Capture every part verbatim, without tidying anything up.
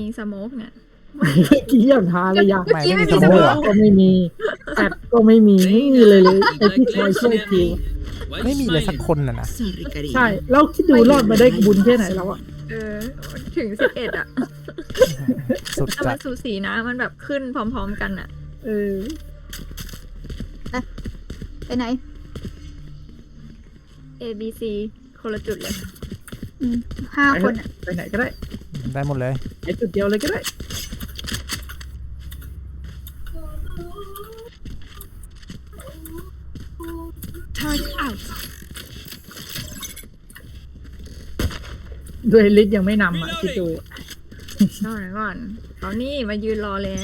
สโมกเนี่ยเมื่อกี้ยังทาเลยอยากเมื่อกี้ไม่มีสสโมโมกกก็ไม่มีแอดก็ไม่มีไม่มีเลยเลยไอที่คอยช่วยทีมไม่มีเลยสักคนน่ะนะใช่แล้วคิดดูรอดมาได้บุญแค่ไหนแล้วอ่ะเออถึงสิบเอ็ดอ่ะสุดแต่จัมัดนสูสีนะมันแบบขึ้นพร้อมๆกันอ่ะเออไปไหน A B C คนละจุดเลยอืมห้าไปคนอะไปไหนก็ได้ได้หมดเลยไปจุดเดียวเลยก็ได้ด้วยลิสยังไม่นำอ่ะคิดดูรอหน่อยก่อนตอนนี้มายืนรอแล้ว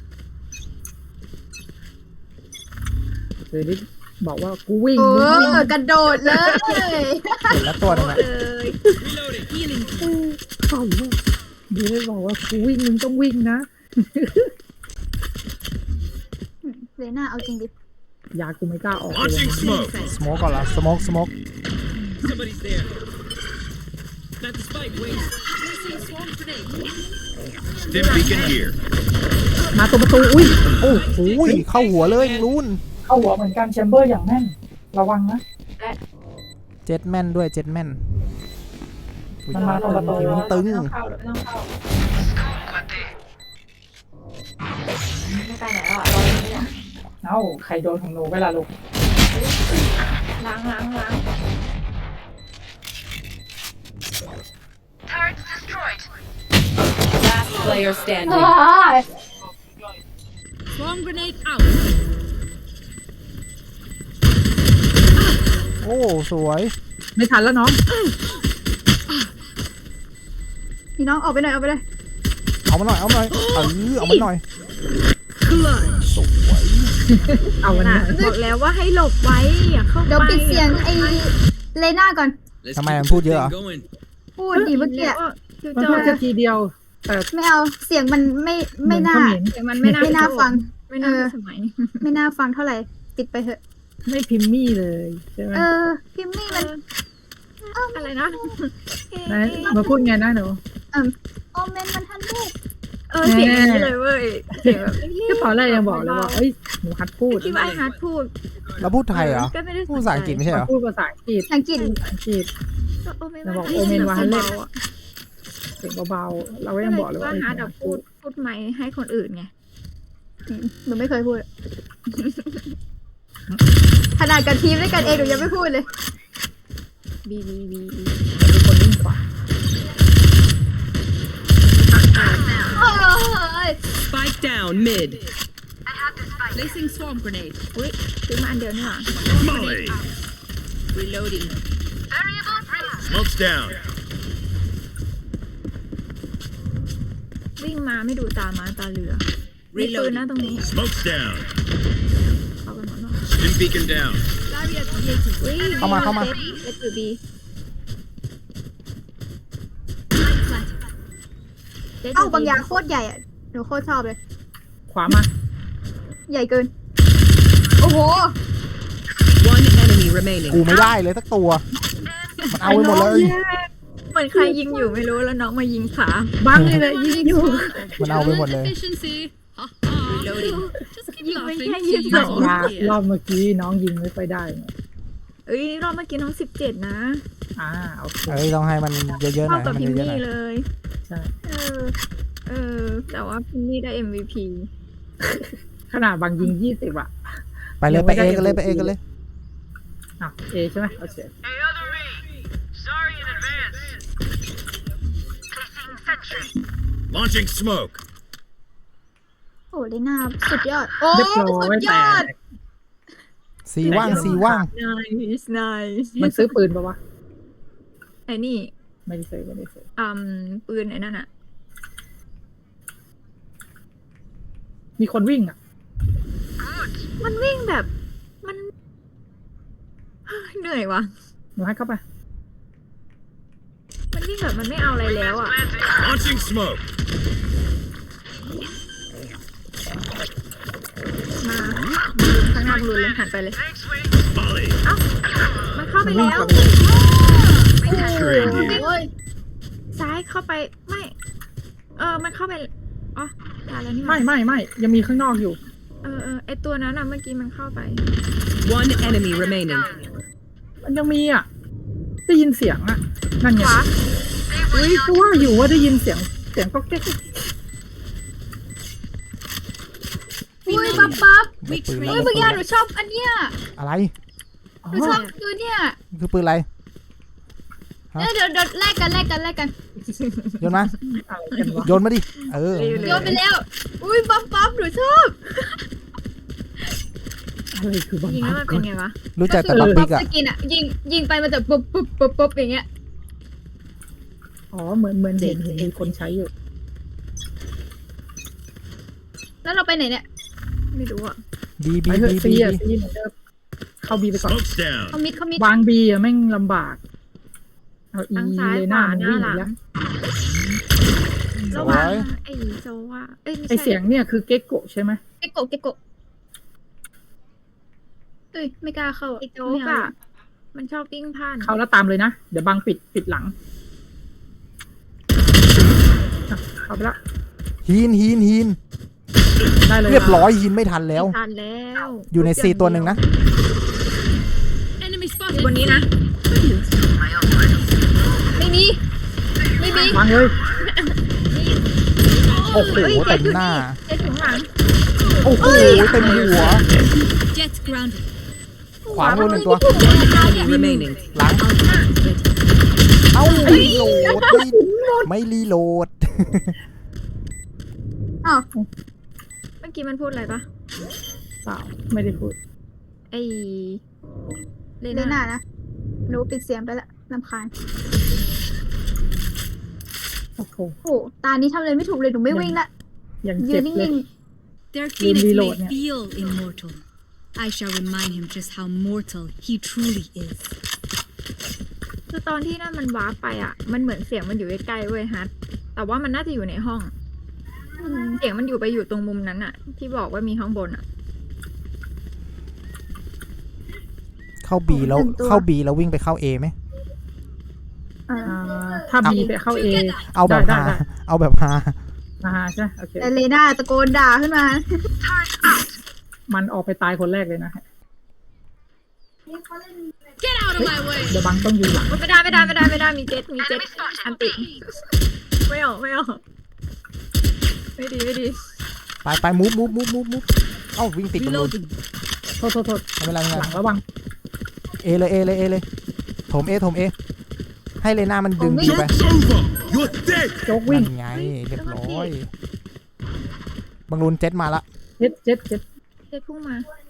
ด้วยลิสบอกว่ากูวิ่งโอ้มึงวิ่งกระโดดเลยเห็นแล้วตัวนึงโอ้อะเอ้ยเข้าลูกดูได้บอกว่ากูวิ่งมึงต้องวิ่งนะเลน่าเอาจริงดิยากูไม่กล้าออกเลย Launching smoke. สโมกก่อนละสโมกสโมก Somebody's there. Not the spike, wait. Stim beacon here. มาตรงประตูอุ้ยโอ้โหเข้าหัวเลยรุนเข้าหัวเหมือนกันแชมเบอร์อย่างแน่นระวังนะเจ็ดแม่นด้วยเจ็ดแม่นมันมาตรงประตูทีมันตึงไม่ไปไหนแล้วอ่ะรออยู่เนี่ยเอ้าใครโดนของหนูเวลาลูกล้างล้างล้าง Last player standing. Bomb grenade out. โอ้สวยไม่ทันแล้วน้องพี่น้องออกไปหน่อยเอาไปเลยเอามาหน่อยเอามาหน่อยเออเอามาหน่อยเอาวันน่ะนี้บอกแล้วว่าให้หลบไว้อย่าเข้าไปเดี๋ยวปิดเสียงไอ้เลน่าก่อน Let's ทำไม keep มัน this พูดเยอะ thing อะ going. พูดดีเมื่อกี้อะคือมันจพูอดแค่ทีเดียว แต่ไม่เอาเสียงมันไม่ไม่น่าเหมือนเขแต่มันไม่น่าไม่น่าฟังไม่น่าเออสมัยไม่น่าฟังเท่าไหร่ติดไปเถอะไม่พิมพ์มี่เลยใช่ไหมเออพิมมี่มันอะไรนะนะมาพูดไงนะหนูโอเมนมันทันลูกเออเสียงอย่างนี้เลยเว้ยเสียงแบบก็ตอนแรกยังบอกเลยว่าเอ้ยหนูฮัดพูดคิดว่าไอ้ฮาร์ดพูดเราพูดไทยเหรอก็ไม่ได้พูดภาษาอังกฤษไม่ใช่เหรอพูดภาษาอังกฤษอังกฤษภาษาอังกฤษก็โอเมนเราบอกว่าโอเมนว่าให้เล่นเบาๆอ่ะเสียงเบาๆเราก็ก็ยังเลยบอกเลยคิดว่าว่าเอ้ยฮาร์ดอะพูดพูดไม่ให้คนอื่นไงอืมหนูไม่เคยพูด ขนาดกับทีมด้วยกันเองหนูยังไม่พูดเลยบีบีบีเป็นคนวิ่งขวาโอ้ย Spike down mid. Placing swarm grenade. อุ้ยซื้อมาอันเดียวนี่หว่า Molly. Reloading. Smoke's down. วิ่งมาไม่ดูตามาตาเรือมีปืนนะตรงนี้ Smoke's down. เอาไปหมดเนาะ Stim beacon down. อุ้ยเข้ามาเข้ามาเจ็ดเจ็ดอยู่บีจ็ดเอ้ายู่บางอย่างโคตรใหญ่อะหนูโคตรชอบเลยขวามาใหญ่เกิน โอ้โห One enemy remaining. กูไม่ได้เลยสักตัว มันเอาไปหมดเลยเหมือนใครยิงอยู่ไม่รู้แล้วน้องมายิงขาบังเลยเลยยิงอยู่มันเอาไปหมดเลย Reloading. ยิงไม่แค่ยิงรสอองบรอบเมื่อกี้น้องยิงไม่ค่อยได้ไงเอ้ยรอบเมื่อกี้น้องสิบเจ็ดนะอ่าโอเคเอ้ยต้องให้มันเยอะๆหน่เท่าอยให้กับมันพิมเยอะๆหน่อยมี่เลยใช่เออ เออ แต่ว่าพิมมี่ได้ เอ็ม วี พีขนาดบางยิงยี่สิบอะไปเลยไปเอกันเลยไปเอกันเลยอ่ะเอใช่ไหมโอเค Hey, other me. Sorry in advance. Launching smoke. โอ้เลน่าสุดยอด โอ้เรียบร้อสุยดยแต่อดสีว่างสีว่าง nice nice มันซื้อปืนปะวะไอ้นี่ไม่ได้ซื้อไม่ได้ซื้ออืมปืนไอ้นั่นอะมีคนวิ่งอ่ะมันวิ่งแบบ มัน เหนื่อยว่ะหนูให้เข้าไปมันวิ่งแบบมันไม่เอาอะไรแล้วอะ Launching smoke. มาข้างหน้าบอลลูนเลยหันไปเลย Molly. เอ้า มันเข้าไปแล้ว Train here. โอ้ยซ้ายเข้าไป ไม่ เออมันเข้าไปอ๋อตายแล้วนี่หไม่ว่าไม่ไม่ยังมีข้างนอกอยู่เออเออไอตัวนั้นอ่ะเมื่อกี้มันเข้าไป One enemy remaining. มันยังมีอ่ะได้ยินเสียงอ่ะนั่นไงขวาเฮ้ยก็ว่าอยู่ว่าได้ยินเสียงเสียงก็แก๊กอุ้ยปั๊บปั๊บได้ปืนเฮ้แล้ยว เมื่อกี้หนูชอบอันเนี้ยอะไรอ๋อหนูชอบตัวเนี้ยคือปืนอะไร ฮะเดี๋ยวเดี๋ยวแลกกันแลกกันแลกกันโยนมาอะไรกันวะโยนมาดิ เออโยนไปแล้ว อุ้ยปั๊บปั๊บหนูชอบอะไรคือบังยิงแล้วมันเป็นไงวะรู้จักแต่ก็บัคืกปิกอะสกินอะยิงยิงไปมันจะปุ๊บปุ๊บปุ๊บปุ๊บอย่างเงี้ยอ๋อเหมือนเหมือนเห็นเห็นมีคนใช้อยู่แล้วเราไปไหนเนี่ยไม่รู้อ่ะบีไปบีเถอะบีซีบีอ่ะซีเหมือนเดิมเข้าบีไปก่อน Smoke's down. เขามิดเขามิดวางบีอ่ะแม่งลำบากเอาอีทั้งซ้ายเลยขหน้าวามันหน้าวิ่งหหลันีงแล้วระวังไอ้โซว่าเอ้ยไม่ไอใช่เสียงเนี่ยคือเก็กโกะใช่ไหมเกโกะเกโกะเอ้ยไม่กล้าเข้าไอ้โจ๊กไม่เอาอ่ะมันชอบวิ่งผ่านเข้าแล้วตามเลยนะ เดี๋ยวบังปิดปิดหลังอ่ะเข้าไปละฮีนฮีนฮีนได้เลยเรียบร้อยฮีนไม่ทันแล้วไม่ทันแล้วอยู่ในซีตัวหนึ่งนะ Enemy อยู่ spotted. บนนี้นะไม่มีไม่มีวางเลยโอ้โหฮ้ยเต็มหน้าเจ็ดถึงหลังโอ้โหเต็มหัว Jet grounded. ขวามือหนึ่งตัว Enemy remaining. หลัง เอ้าไม่รีโหลดไม่ไม่รีโหลดอ้าวเมื่อกี้มันพูดอะไรปะเปล่าไม่ได้พูดไอ้เลเลน่าน่านะหนูปิดเสียงไปละรำคาญโอ้โหโอ้ตานี้ทำอะไรไม่ถูกเลยหนูไม่วิ่งละยังยืเจ็นบเลยนิ่ง Their Lim phoenix reload may niya. feel immortal. I shall remind him just how mortal he truly is. คือตอนที่นั่นมันวาร์ปไปอ่ะ มันเหมือนเสียงมันอยู่ใกล้ๆเว้ยฮัทแต่ว่ามันน่าจะอยู่ในห้องๆอืมเสียงมันอยู่ไปอยู่ตรงมุมนั้นอ่ะ ที่บอกว่ามีข้างบนอ่ะเข้าบีแล้วเข้าบีแล้ววิ่งไปเข้าเอไหมอ่าอ่าถ้าบีไปเข้าเอเอาแบบได้ฮาได้เอาแบบฮาอ่าใช่โอเคแต่เลน่าตะโกนด่าขึ้นมามันออกไปตายคนแรกเลยนะ Get out of my way. เดี๋ยวบังต้องยืนหลังไม่ได้ไม่ได้ไม่ได้ไม่ได้มีเจ็ตมีเจ็ตอันติไม่ออกไม่ออกไม่ดีไม่ดีไปไปมูฟมูฟมูฟมูฟมูฟเอ้าวิ่งติดกันเลย Reloading. โทษโทษโทษไม่เป็นไรไม่เป็นหไรลังระวังเอเลยเอเลยเอเลยโถมเอโถมเอให้เลน่ามันดึงผมไม่บีไป Joke's over. You're dead. โจ๊กวิ่งนั่นไงเรียบร้อยบังรุนเจ็ตมาละเจ็ดเจ็ดเจ็ดเจ็ตพุ่งมา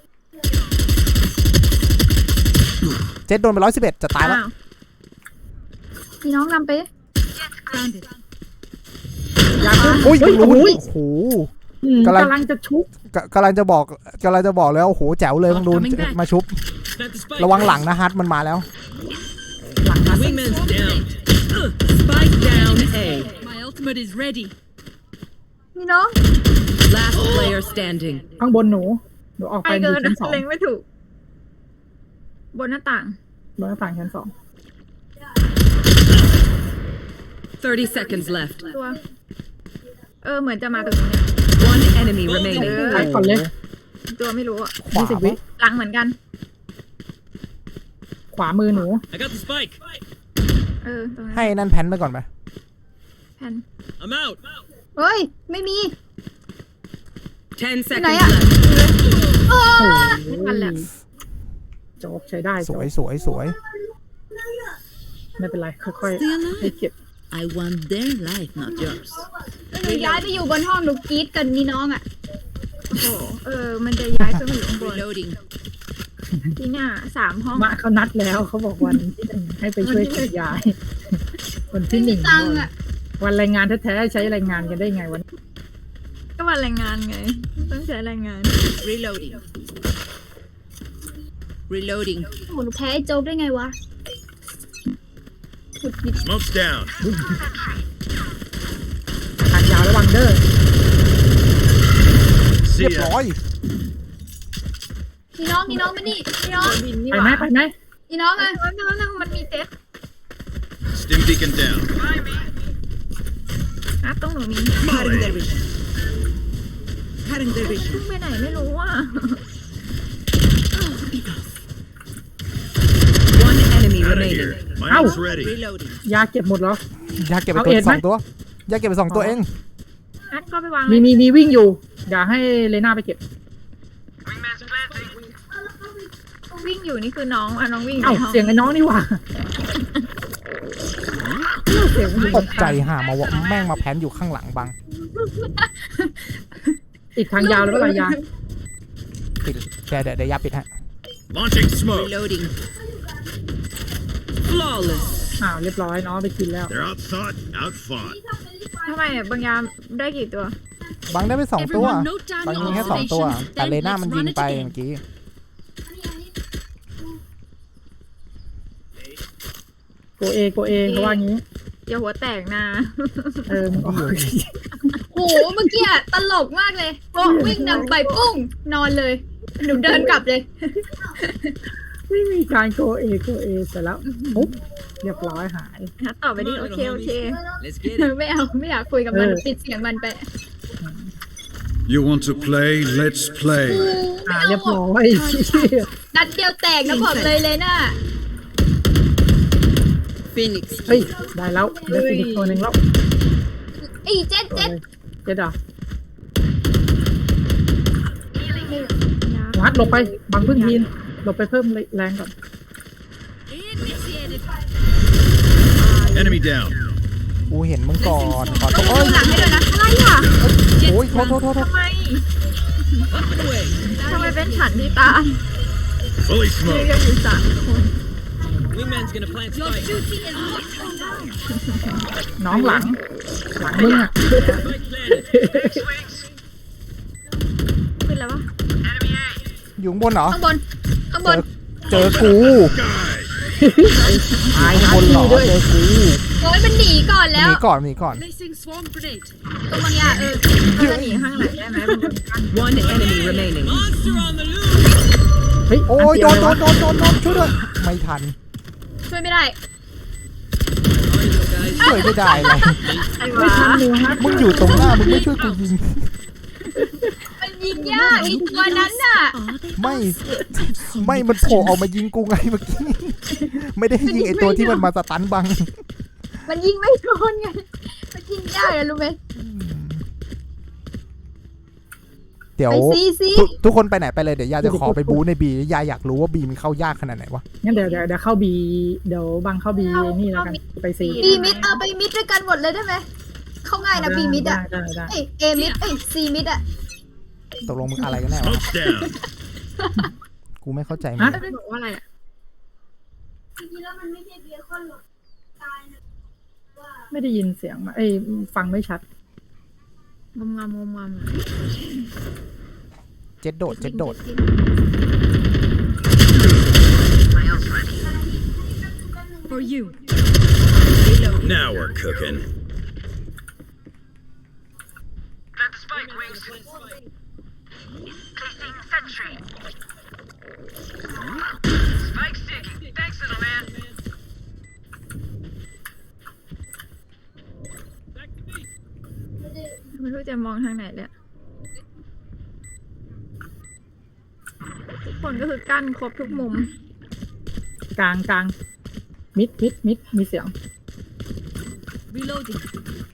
เจ็ตโดนไปร้อยสิบเอ็ดจะตายแล้วอ้าวมีน้องนำไป Grounded. อยากขึ้นโอ้ยเฮ้ยบังรุนโอ้ยโอ้โหอืมกำลังกำลังจะชุบกกำลังจะบอกกำลังจะบอกแล้วโอ้โหแจ๋วเลยบังรุน Coming back มาชุบ Plant the spike. ระวังหลังนะฮัทมันมาแล้วหลังนะ Wingman's down. Spike down A. My ultimate is ready. มีน้อง Last player standing. ข้างบนหนูหนูออกไปไปดูเกินชั้นสองเล็งไม่ถูก บนหน้าต่างบนหน้าต่างชั้นสอง Thirty seconds left. ตัว เออเหมือนจะมาตรงนี้เนี่ย One enemy remaining. ไปก่อนเลยตัวไม่รู้อ่ะขวายี่สิบวิปะหลังเหมือนกันขวามือหนู I got the spike. เออตรงนั้นให้นั่นแพนไปก่อนไปแผ่น I'm out. เฮ้ย ไม่มี Ten Này seconds ạ. left. โอ้ไม่ทันแล้วโจ๊กใช้ได้สโจ๊กวยสวยสวยไม่เป็นไรค่อย Stay ๆให้ alive. เก็บ I want their life, not yours. หนูย้ายไปอยู่บนห้องหนูกรี๊ดกันนี่น้องอ่ะโอ้โหเออ มันจะย้ายขึ้นมาอยู่ข้างบน Reloading. ที่หน้าสามห้องมาเขานัดแล้วเขาบอกวันที่หนึ่งให้ไปช่วยขนย้ายวันไม่ที่หมีนึ่งตังค์อ่ะวันแรงงานแท้ๆใช้แรงงานกันได้ไงวันก็วันแรงงานไง ต้องใช้แรงงาน Reloading. Reloading. โอ้โหหนูแพ้ไอ้โจ๊กได้ไงวะขุดหยิบ Smoke's down. ทางยาวระวังเด้อเรีย See บ ya. ร้อยนี่น้องนี่น้องมานี่นี่น้องบินนี่ไปหไหมว่าไปไหมนี่น้องอ่ะแล้วแล้วแล้วมันมีเจ็ต Stim beacon down. อ่ะตรงหนูมี Cutting their vision. Cutting their เพิ่ vision. งไปไหนไม่รู้อ่ะ One enemy Out of remaining. here. My Ow. ult's ready. Reloading. ยาเก็บหมดเหรอยาเก็บไปเอาตัวเอ็ดไหมสองตัวยาเก็บไปสองตัวเองนัดเข้าไปวางมีเลยมีมีวิ่งอยู่อย่าให้เลน่าไปเก็บวิ่งอยู่นี่คือน้องอ่ะน้องวิ่งอยู่เอ้าในห้องเสียงไอ้น้องนี่หว่าเสียงมันอยู่ตกใจห่ามาวะแม่งมาแพนอยู่ข้างหลังบังติดทางยาวเลยเปล่ายาปิดเดี๋ยวเดี๋ยวเดี๋ยวยาปิดฮะ Launching smoke. Reloading. Flawless. อ้าวเรียบร้อยน้องไปกินแล้ว They're outthought, outfought. ทำไมอ่ะบางยามได้กี่ตัวบังได้ไปสองตัว Everyone note down บัง your ยิงแค่สองตัว observations. แต่ Then เลน่า let's มัน run ยิง it ไป again. เมื่อกี้โกเอโกเอเขาว่างี้อย่าหัวแตกนะเออมึงออกโหเมื่อกี้อะตลกมากเลยโอ้วิ่งนำไปปุ้งนอนเลย หนูเดินกลับเลยไม่มีการโกเอโกเอเสร็จแล้วปุ๊บเรียบร้อยหายนัดต่อไปดิโอเคโอเค Let's get it. ไม่เอาไม่อยากคุยกับมันเออปิดเสียงมันไป You want to play? Let's play. อ่าเรียบร้อยนัดเดียวแตกนะบอกเลยเลยน่ะ Phoenix. เฮ้ยได้แล้วได้ฟินิกตัวหนึ่งแล้วไอ้เจ็ดตัวเจ็ดเลยเจ็ดอ่ะยาวัดหลบไปบังพึ่งทีนหลบไปเพิ่มแรงก่อน Initiated. Enemy down. กูเห็นมึงก่อนขอโทษดูโอ้ยหลังให้ด้วยนะอะไรอ่ะโอ้ยโทษโทษโทษโทษทำไม Up and away. ทำไมเป็นฉันที่ตาย Fully มี smoked. กันอยู่สามคน Wingman's gonna plant Your spike. duty is not over. น้องหลัง หลังมึงอ่ะ Spike planted. ขึ้นแล้ววะอยู่ข้างบนเหรอข้างบน ข้างบเจนอเจอกู Guys. ตายข้างนะบนเหรอพี่ด้วยเจอกูโอ้ยมันหนีก่อนหแล้วนีก่อนหนีก่อน Placing swarm grenade. ตรงบางยาเออเขาจะหนีข้างหลังได้ไหมมันเป็นกั้น One enemy remaining. Monster on the loose. เฮ้ยโอ้ยโดนโดนโดนโดนโดนช่วยด้วยไม่ทันช่วยไม่ได้ช่วยไม่ได้เลยไอ้ไม่วะทันเลยฮะมึงอยู่ตรงหน้ามึงไม่ช่วยกูยิงมันยิงยากไอ้ตัวนั้นน่ะไม่ ไม่มันโผล่ออกมายิงกูไงเมื่อกี้ ไม่ได้ยิงไอตัวที่มันมาสตันบังมันยิงไม่โดนไง มันยิงยากอะรู้ไหมเดี๋ยวไปซีซีทุกทุกคนไปไหนไปเลยเดี๋ยวยาจะขอไปบู๊ในบียาอยากรู้ว่าบีมันเข้ายากขนาดไหนวะงั้นเดี๋ยวเดี๋ยวเดี๋ยวเข้าบีเดี๋ยวบังเข้าบีนี่แล้วกันไปซีบีมิดเอาไปมิดด้วยกันหมดเลยได้ไหม เข้าง่ายนะบีมิดอะได้ได้ได้เอ้ยเอมิดเอ้ยซีมิดอะตกลงมึงอะไรกันแน่วะ Smoke's down. กูไม่เข้าใจมึงฮะเลยบอกว่าอะไรอ่ะไม่ได้ยินเสียงมาเอ้ยฟังไม่ชัดงมงามงมงามอะเจ็ดโดดเจ็ดโดด For you. Now we're cooking. Back to me. ไม่รู้จะมองทางไหนเลยอะทุกคนก็คือกั้นครบทุกมุมกลางกลางมิดมิดมิดมีเสียง Reloading.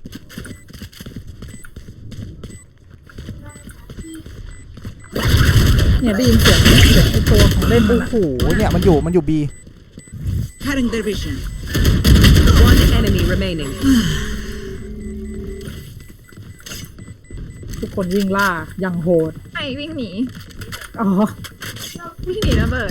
เนี่ยได้ยินเสียงเสียงไอตัวของเล่นมันโอ้อะโหเนี่ยมันอยู่มันอยู่บี Cutting their vision. One enemy remaining. ทุกคนวิ่งล่าอย่างโหดไอ้วิ่งหนีอ๋อวิ่งหนีระเบิด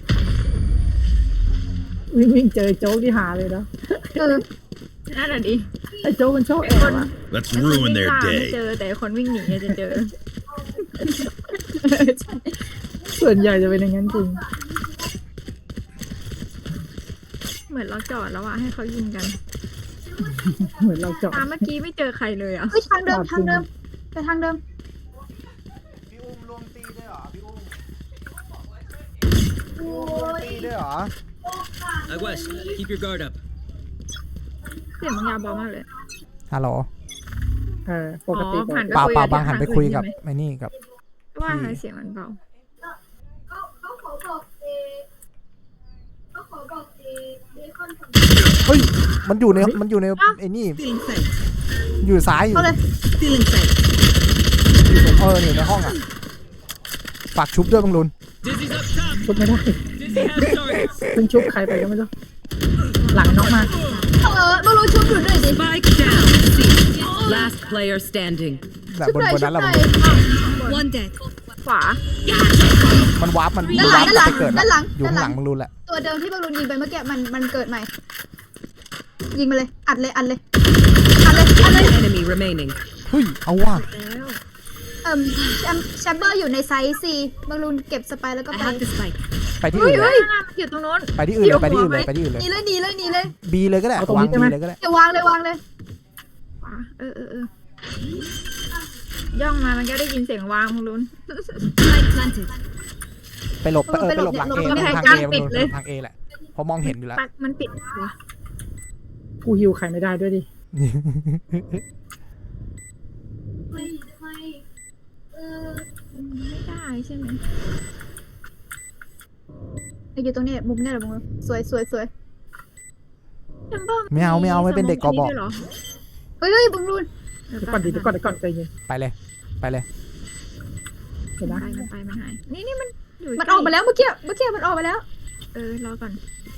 วิ่งวิ่งเจอโจ๊กที่หาเลยนะเออนั่นแหละดิไอโจ๊กมันชอบแอบอะ Let's ไอ้คนวิ่ ruin ง their ล่าไม่ day. เจอแต่คนวิ่งหนีจะเจอส่วนใหญ่จะเป็นอย่างนั้นจริงเหมือนเราจอดแล้วอะให้เขายิงกันเหมือนเราเจาะตามเมื่อกี้ไม่เจอใครเลยอะเฮ้ยทางเดิมทางเดิมไปทางเดิมพี่อุ้มรวมตีด้วยเหรอพี่อุ้มพี่อุ้มรวมตีด้วยเหรอ Aguas, keep your guard up. เสียงบางยาเบามากเลยฮัลโหลเออปอ๋กติอปกผ่านติไปเปล่าคุยเปล่ากับบางหันไปคุยกับไอ้นี่กับว่าอะไรเสียงมันเบาเฮ้ยมันอยู่ในมันอยู่ในไอ้นี่ Still inside. อยู่ซ้ายอยู่เข้าเลย Still inside. อยู่ตรงเออนี่ในห้องอ่ะฝากชุบด้วยบังลุน Dizzy's up top. ชุบไม่ได้ Dizzy has targets. เพิ่งชุบใครไปก็ไม่รู้หลังน้องมาเออมารู้ชุบอยู่ด้วยดิ Spike down. C. Last player standing. แต่ชุบบนหน่อยบนชุนั้นบเราหน่อย One dead. ขวามันวาร์ปมันด้านหลังวาร์ปไปเกิดด้านหลังอยู่ข้างหลังด้านหลังบังลุนแหละตัวเดิมที่บอลลูนยิงไปเมื่อกี้มันมันเกิดใหม่ ยิงมาเลย อัดเลยอัดเลยอัดเลยอัดเลย One enemy remaining. เฮ้ยเอาว่ะแล้วเอ่มแชมแชมเบอร์อยู่ในไซส์ซีบอลลูนเก็บสไปแล้วก็ I ไป have the spike. ไปที่อื่นเลยหน้ามันอยู่ตรงโน้นไปที่อื่นเลยไปที่อื่นเลยไปที่อื่นเลยหนีเลยหนีเลยหนีเลยบีเลยก็ได้วางบีเลยก็ได้เดี๋ยววางเลยวางเลยขวาเออเออเออย่องมามันก็ได้ยินเสียงวางมึงลุ้น Spike planted. ไปหลบเออไปหลบหลังเอไม่ให้ทางกล้าเอปิดเลยทางเอแหละเพราะมองเห็นอยู่แล้วปักมันปิดวะกูฮิวใครไม่ได้ด้วยดิไม่ได้ใช่ไหมอยู่ตรงนี้มุมนี้แหละมุมนี้สวยสวยสวยแชมเบอร์ไม่เอาไม่เอาไม่เป็นเด็กกบเหรอเฮ้ยเฮ้ยบอลลูนเดี๋ยวเดี๋ยวก่อนดิเดี๋ยวก่อนเดี๋ยวก่อนใจเย็นไปเลยไปเลยเดี๋ยวไปนะมันไปมันหายนี่นี่มันอยู่มันออกมาแล้วเมื่อกี้เมื่อกี้มันออกมาแล้วเออรอก่อน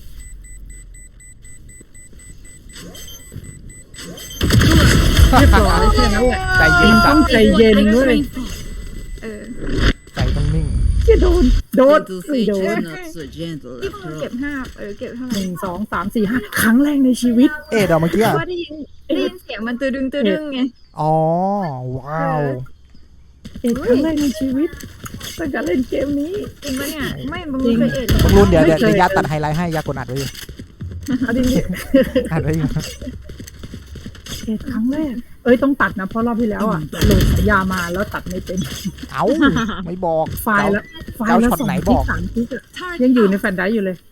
เรียบร้อยแค่นั้นแหละใจเย็นต้จัอดงใจเย็นเว้ยเออใจต้องนิ่งที่โดนโดน Little ไม่ Sage โดน is not so gentle ที่ after มึง all. เก็บห้าเออเก็บเท่าไหหร่นึ่งสองสามสี่ห้าครั้งแรกในชีวิตเอ๊ะเดี๋ยวเมื่อกี้เพอะราะว่าได้ยินได้ยินเสียงมันตือดึงตือดึงไงอ๋อว้าวเอกครั้งแรกในชีวิตตั้งแต่เล่นเกมนี้จริงปะเนี่ยไม่มึงจริงเคยเอ็ดบังลุนเดี๋ยวเดี๋ยวไม่เคยเดี๋ยวยาตัดไฮไลท์ให้ยากดอัดไว้อยู่เอาดิอัดไว้อยู่เอกครั้งแรก เอ้ยต้องตัดนะเพราะรอบที่แล้วอ่ะโหลดสายยามาแล้วตัดไม่เป็นเอ้าไม่บอกไฟล์ละไฟล์เจ้าละช็อตสองไหนทิบกอกสามทิกอะ Turret ยังอยู่ใน out. แฟนไดรฟ์อยู่เลย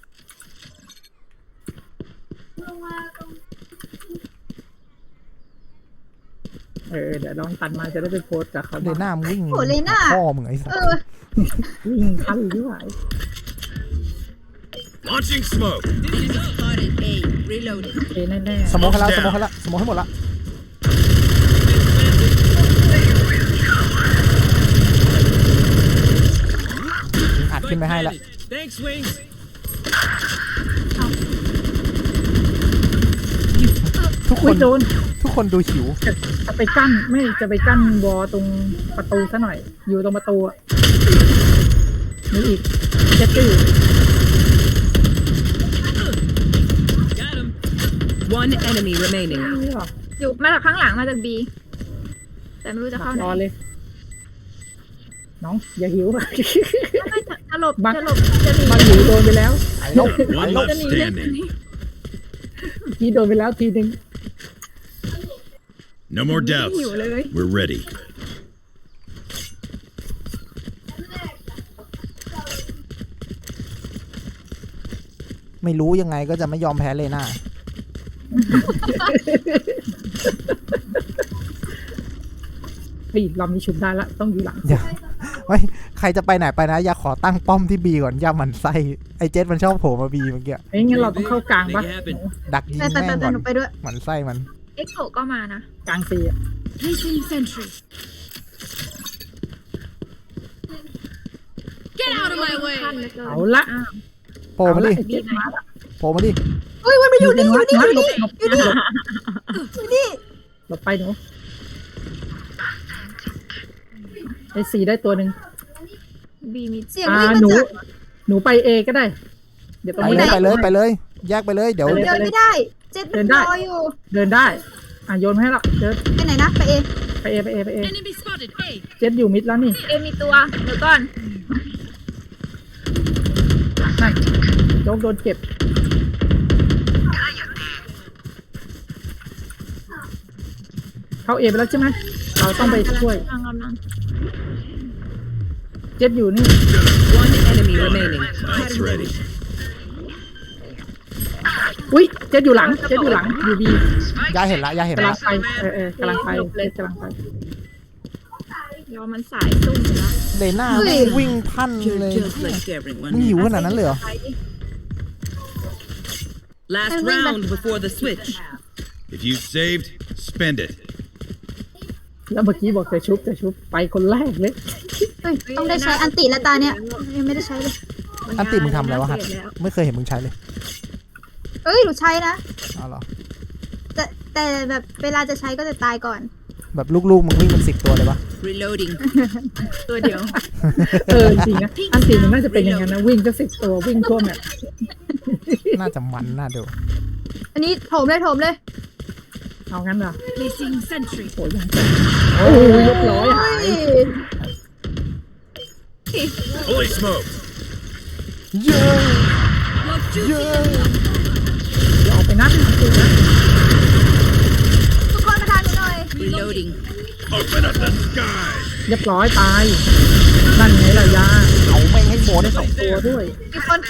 เออเดี๋ยวลองตัดมาจะได้ไปโพสต์กับเขาเลน่ามึงวิ่งโหเลน่าพ่อมึงไอ้สัสเออวิ่งทันหรือไหว Launching smoke. Spotted A. Reloading. โอเคแน่สโมองให้แล้วสโมองให้แล้วสโมองให้หมดละอัดขึ้นไปให้ละ Thanks, Wings. ทุกๆคอุ้นยโดนทุกคนดูหิวจะจะไปกั้นไม่จะไปกั้นวอตรงประตูซะหน่อย อยู่ตรงประตูอ่ะนี่อีกเจ็ดตี้ Got him. One enemy remaining. นี่หรออยู่มาจากข้างหลังมาจากบีแต่ไม่รู้จะเข้าไหนรอเลย น้อง อย่าหิวไม่ไม่จะจะหลบบังจะหลบจะหนีมันหิวโดนไปแล้วไอ้ลบ One ไอ้ลบ left standing. ทีโดนไปแล้วทีหนึ่ง No more ไม่ doubts. หิวเลย We're ready. ไม่รู้ยังไงก็จะไม่ยอมแพ้เลยน่าเฮ้ยลำนี้ชุบได้ละต้องอยู่หลังอย่าไม่ใครจะไปไหนไปนะ อย่าขอตั้งป้อมที่บีก่อนอย่าหมันไส้ไอ้เจ็ดมันชอบโผล่มาบีเมื่อกี้เอ้ยงั้นเราต้องเข้ากลางปะ Make it happen. ดักยิงไปไปแม่ไปงก่อนไปหนูไปด้วยหมันไส้มันเอ็กโซก็มานะกลางซีอะ Placing sentry. Get out of my ขั้น way. เหลือเกินเอาละอ้าวโผล่มาดิเอละไอ้เจ็ดมาละโผล่มาดิเฮ้ยมันมาอยู่นี่อยู่นี่อยู่นี่หลบหลบหลบอยู่นี่หลบไปหนูไอ้สีได้ตัวหนึ่งบีมีเสียงอ่าวิ่งมาหนูจากหนูไปเอก็ได้ เดี๋ยวตรงไปนี้เลยไปเลยให้ไปเลย แยกไปเลยเดี๋ยวไปเลยเดินไม่ได้ เจ็ดมันรออยู่เดินได้ อ่ะโยนมาให้ละเดินไปไหนนะไปเองไปเอไปเอไปเอ Enemy spotted A. เจ็ดอยู่มิดแล้วนี่เอมีตัวเดี๋ยวก่อนนั่นโจ๊กโดนเก็บ เข้าเอไปแล้วใช่ไหมเราต้องไปช่วยกำลังกำลังเจ็ดอยู่นี่ One enemy remaining. Spike's ready. อุ้ยเจ็ดอยู่หลังเจ็ดอยู่หลังอยู่บียาเห็นละยาเห็นกำลัละงไปเออเออกำลังไปเจ็ดกำลังไปรอมันสายซุ่มอยู่แล้วเลน่าแม่งวิ่งพันเลย You're just like everyone มึงหิว else. ขนาดนั้นเลยเหรอ Last round before the switch. If you saved, spend it. แล้วเมื่อกี้บอกจะชุบจะชุบไปคนแรกเลยเฮ้ยต้องได้ใช้อันติและตาเนี่ยยังไม่ได้ใช้เลยอันติมึงทำอะไรวะฮัทไม่เคยเห็นมึงใช้เลยเอ้ยหนูใช้นะเอาเหรอแต่แต่แบบเวลาจะใช้ก็จะตายก่อนแบบลูกๆมึงวิ่งเป็นสิบตัวเลยปะ Reloading. ตัวเดียวเออจริงนะอันตีมันน่าจะเป็นอย่างนั้นนะวิ่งก็สิบตัววิ่งทั่วแมปน่าจะมันน่าดูอันนี้โถมเลยโถมเลยเอางั้นเหรอ Placing sentry. โอ้ยยังแจ๋โอ้ยเรียบร้อยหาย Holy smoke! เยอะเยอะอย่าออกไปนัดอันตีนะทุกคนมาทานหนูหน่อย Reloading. Open up the sky! เรียบร้อยตายนั่นไงล่ะยาเอาแม่งให้หมดได้สองตัวด้วยมีคน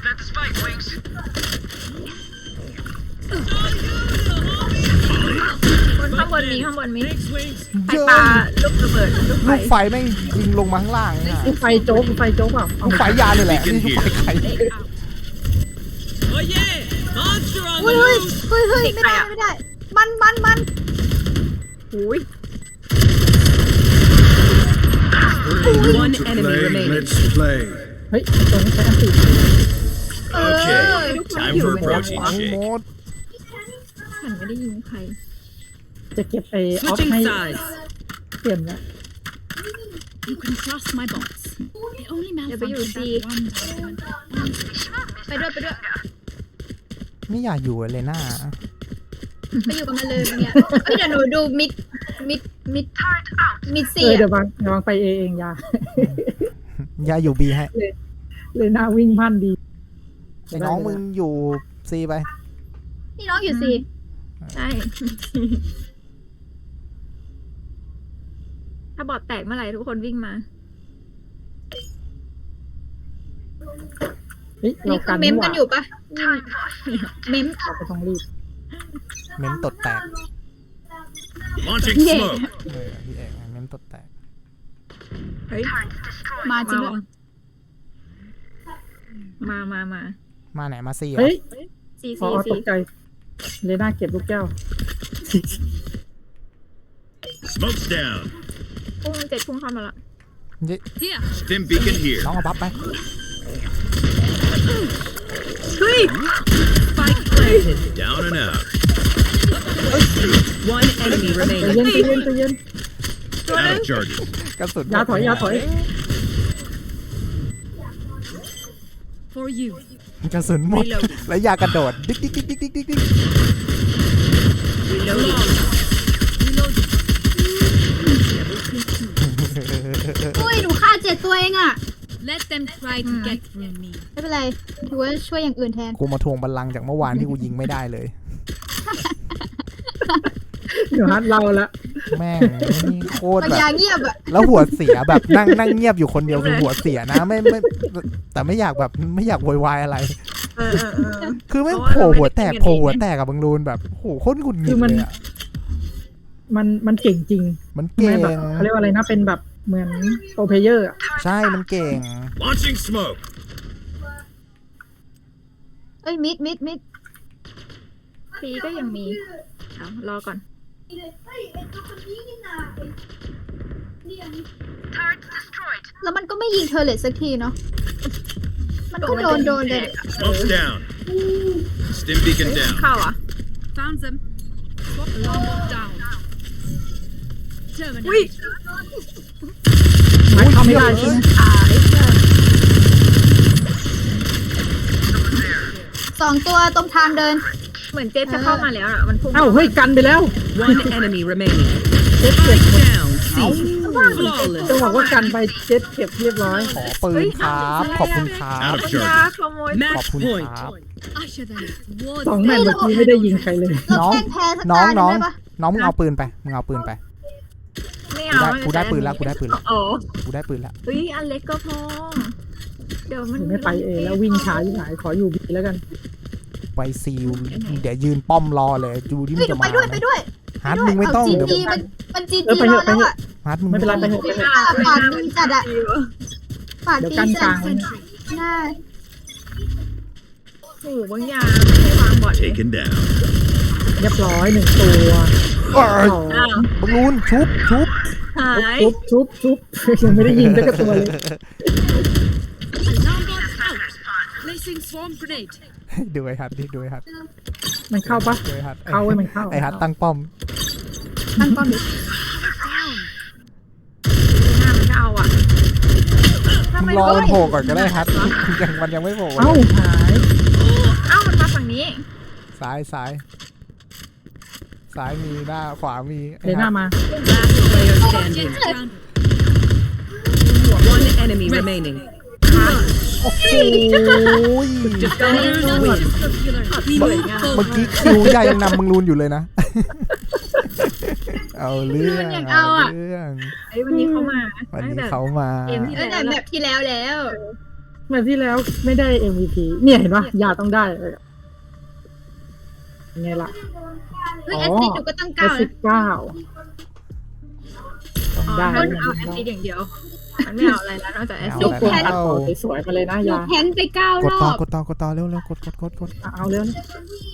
คนข้างบนมีข้างบนมี Thanks, Wings. ไฟปลาลูกระเบิดลูกไฟลูกไฟแม่งยิงลงมาข้างล่างเนี่ยลูกไฟโจ๊กลูกไฟโจ๊กเปล่าเอาลูกไฟยาเนี่ยแหละนี่ลูกไฟไข่ Oh yeah! Monster on เฮ้ย the เฮ้ย loose! เฮ้ยเฮ้ยไม่ได้ไม่ได้ มันมันมันอุ้ย One enemy remaining. Let's play. เฮ้ยตัวนี้ใช้อันตี Okay, time for a หมด protein ทั้ง shake. หมดฉันไม่ได้ยิงใครจะเก็บไอ้ออฟ Switching ให้ sides. เปลี่ยนละ You can trust my bots. They only เดี๋ยวไปอยู่ malfunctioned ซี that one time. ไปด้วยไปด้วยไม่อยากอยู่เลยน่าไปอยู่กับมันเลยเนี่ยเฮ้ยเดี๋ยวหนูดูมิดมิดมิดมิดเอสี่อเดี๋ยอะววางเดี๋ยววางไปเอเองยายาอยู่บีให้เลยหน้าวิ่งพันดีไอ้น้องมึงอยู่ซีไปนี่น้องอยู่สี่ใช่ ถ้าบอดแตกเมื่อไหร่ทุกคนวิ่งมาเฮ้ยเรานี่คืกัอน เมมกันอยู่ปะเมมเราก็ต้องรีบเม้มตดแตก Launching Yeah. smoke. เออพี่เอกเม้มตดแตกเฮ้ยมาจริงด้วยมามามามาไหนมาซีเหรอเฮ้ยซีพอซีตซีกใจเลยหน้าเก็บลูกแก้ว Smoke's down. พุ่งเจ็ดพุ่งเข้ามาละ Here. Stim beacon here. น้องเอาบัฟไป Spike planted. Down and out. One enemy ใจ remaining. เย็นใจเย็นใจเย็น Out of charges. กระสุนยาถอยยาถอย For you. กระสุนหมดแล้วยากระโดดดิ๊กดิ๊กดิ๊กดิ๊กดิ๊กดิ๊ก Reloading. อุ้ยหนูฆ่าเจ็ดตัวเองอะ Let them try to get through me. ไม่เป็นไรถือว่าช่วยอย่างอื่นแทนกูมาทวงบัลลังก์จากเมื่อวานที่กูยิงไม่ได้เลยเดี๋ยวฮัทเราละแม่งนี่โคตรมันแบบยาเงียบอะแล้วหัวเสียแบบนั่งนั่งเงียบอยู่คนเดียวคือหัวเสียนะไม่ไม่แต่ไม่อยากแบบไม่อยากโวยวายอะไรเออเออเออคือไม่งโผล่หัวแตกโผล่หัวแตกกับบังรูนแบบโอ้โหโคตรหงุดหงิดเลยอะมันมันเก่งจริงมันไม่เก่งแบบเขาเรียกว่าอะไรนะเป็นแบบเหมือนโปรเพลเยอร์อะใช่มันเก่ง Launching smoke. เอ้ยมิดมิดมิดซีก็ยังมีเอารอก่อนแล้วมันก็ไม่ยิงเธอเลยสักทีเนาะมันก็โดนโดนเลย Smoke's down. Stim beacon เฮ้ย down. เข้าอ่ะ Found them. Swap alarm down. Terminate. อุ้ยมันเข้าไม่ได้ใช่ไหมตายเพื่อนสองตัวตรงทางเดินเหมือนเจฟจะเข้ามาแล้วอ่ะมันพุ่งเอ้าเฮ้ยกันไปแล้ว One enemy remaining. เจ็ดเก็บ Down. C. Flawless. จะบอกว่ากันไปเจ็ดเก็บเรียบร้อยขอปืนครับขอบคุณครับ Out of ปัญญา charges. ขโมยขอบ Match คุณ point. ครับ Usher them towards สองแมตช์เมื่อกี้ไม่ได้ยิงใครเลยเราน้องแข่งแพ้สักน้อตาง หนึ่น้องงได้ปะน้องมึงเอาปืนไปมึงเอาปืนไปไม่กูเอาได้กูได้ปืนแล้วกูได้ปืนแล้วโอ้กูได้ปืนแล้วเฮ้ยอันเล็กก็พอ เดี๋ยวมันไม่ไปเอแล้ววิ่งช้าที่ไหนขออยู่บีแล้วกันไปซิลเดี๋ยวยืนป้อมรอเลยดูที่เฮ้มัยนเดี๋จะยวไปมาด้วยไปด้วยฮาร์ดมึงไม่ต้องจีเดี๋ยวจีมันมันจีเออจีไปเถรออะไปแล้วเถอะอ่ะฮาร์ดมึงไม่เป็นไรไปเถอะไปเถอะปากดีจัดอ่ะปากเดี๋ยวดีกั้นกจัลาดงไว้นะใช่โอ้โหบางอย่างไม่ให้วางบอดเลย Taken down. เรียบร้อยหนึ่งตัวเอ้ยสองอ้าวบอลลูนชุบชุบหายชุบชุบชุบยังไม่ได้ยิงสักตัวเลย Alarm bot out. Placing swarm grenade. ดูไอ้ฮัทดิดูไอ้ฮัทมันเข้าปะดูไอ้ฮัทเข้าไว้มันเข้าไอ้ฮัทตั้งป้อมตั้งป้อมดิ Down. หน้ามันก็เอาอ่ะมึงรอมันโผล่ก่อนก็ได้ฮัทยังมันยังไม่โผล่เอ้าหายเอ้ามันมาฝั่งนี้ซ้ายซ้ายซ้ายมีหน้าขวามีไอ้เดี๋ยวหน้าฮัทมา Last player standing. Grounded. One enemy remaining. โอ้โห Defenders win. We เมื่อ move เมื่อ forward. กี้คิวใหญ่ยังนำมึงรูนอยู่เลยนะ เอาเรื่องเอาเรื่องไอ้ยวันนี้เขามาวันตั้งนี้แต่เขามาเกมที่ตั้งแต่แล้วแบบที่แล้วแล้วแบบที่แล้วไม่ได้ เอ็ม วี พี เนี่ยเห็นปะยาต้องได้เลยไงล่ะเฮ้ยอ๋แออสซิดหนูก็ตั้งแอเก้าสินะบเก้าอ๋อได้มันเอาแอสซิดอย่างเดียว มันไม่เอาอะไรแล้วนอกจากแอสเอาซิดยกตัวแล้อัดวต่อสวยๆมาเลยนะหนูยาแพนไปเก้ากดรต่ออบกดต่อกดต่อเร็วเร็วกดกดกดกดเอาเร็วนะ